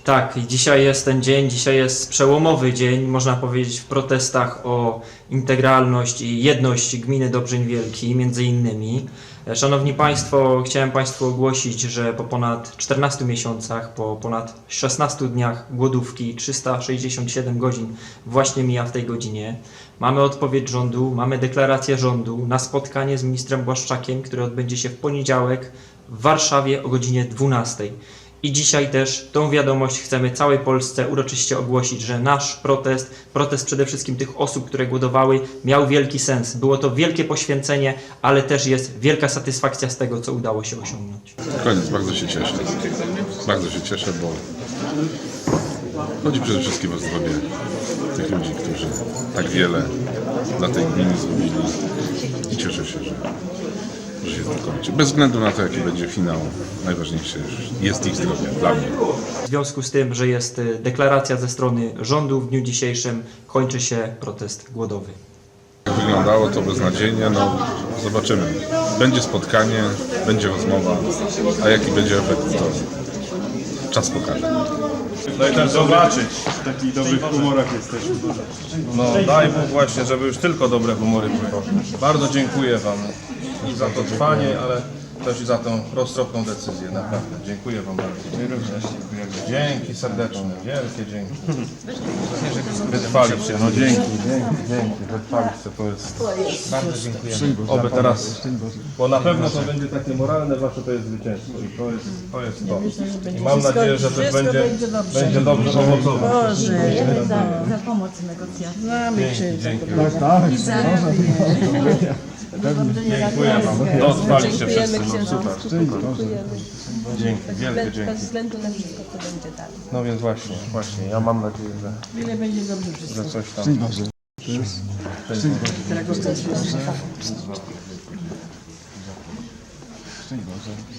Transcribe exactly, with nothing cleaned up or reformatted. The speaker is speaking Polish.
Tak, i dzisiaj jest ten dzień, dzisiaj jest przełomowy dzień, można powiedzieć, w protestach o integralność i jedność gminy Dobrzeń Wielki, między innymi. Szanowni Państwo, chciałem Państwu ogłosić, że po ponad czternastu miesiącach, po ponad szesnastu dniach głodówki, trzysta sześćdziesiąt siedem godzin właśnie mija w tej godzinie, mamy odpowiedź rządu, mamy deklarację rządu na spotkanie z ministrem Błaszczakiem, które odbędzie się w poniedziałek w Warszawie o godzinie dwunastej. I dzisiaj też tą wiadomość chcemy całej Polsce uroczyście ogłosić, że nasz protest, protest przede wszystkim tych osób, które głodowały, miał wielki sens. Było to wielkie poświęcenie, ale też jest wielka satysfakcja z tego, co udało się osiągnąć. Koniec, bardzo się cieszę. Bardzo się cieszę, bo chodzi przede wszystkim o zdrowie tych ludzi, którzy tak wiele dla tej gminy zrobili i cieszę się, że że się to kończy. Bez względu na to, jaki będzie finał, najważniejsze jest ich zdrowie dla mnie. W związku z tym, że jest deklaracja ze strony rządu w dniu dzisiejszym, kończy się protest głodowy. Jak wyglądało to beznadziejnie, no zobaczymy. Będzie spotkanie, będzie rozmowa, a jaki będzie efekt, to czas pokaże. No i też zobaczyć, w takich dobrych humorach jesteśmy. No daj Bóg właśnie, żeby już tylko dobre humory były. Bardzo dziękuję Wam i za to trwanie, ale też i za tą roztropną decyzję, naprawdę. Dziękuję Wam bardzo. Dzięki serdeczne, wielkie dzięki. Wytrwaliście, no dzięki, dzięki, dzięki. Wytrwaliście, to jest... Bardzo dziękujemy. Oby teraz, bo na pewno to będzie takie moralne wasze to jest zwycięstwo i to jest to. Jest to. I mam nadzieję, że też będzie, będzie dobrze owocować. Boże, za, za pomoc w negocjacjach. Znamy Dzięki. I za Dziękuję Wam. Dotrwaliście wszyscy, no księża. super. Dzięki, wielkie Bez, bez dzięki. względu na wszystko, co będzie dalej. No więc właśnie, właśnie, ja mam nadzieję, że, Ile będzie dobrze wszystko. że coś tam... Szczęść Boże.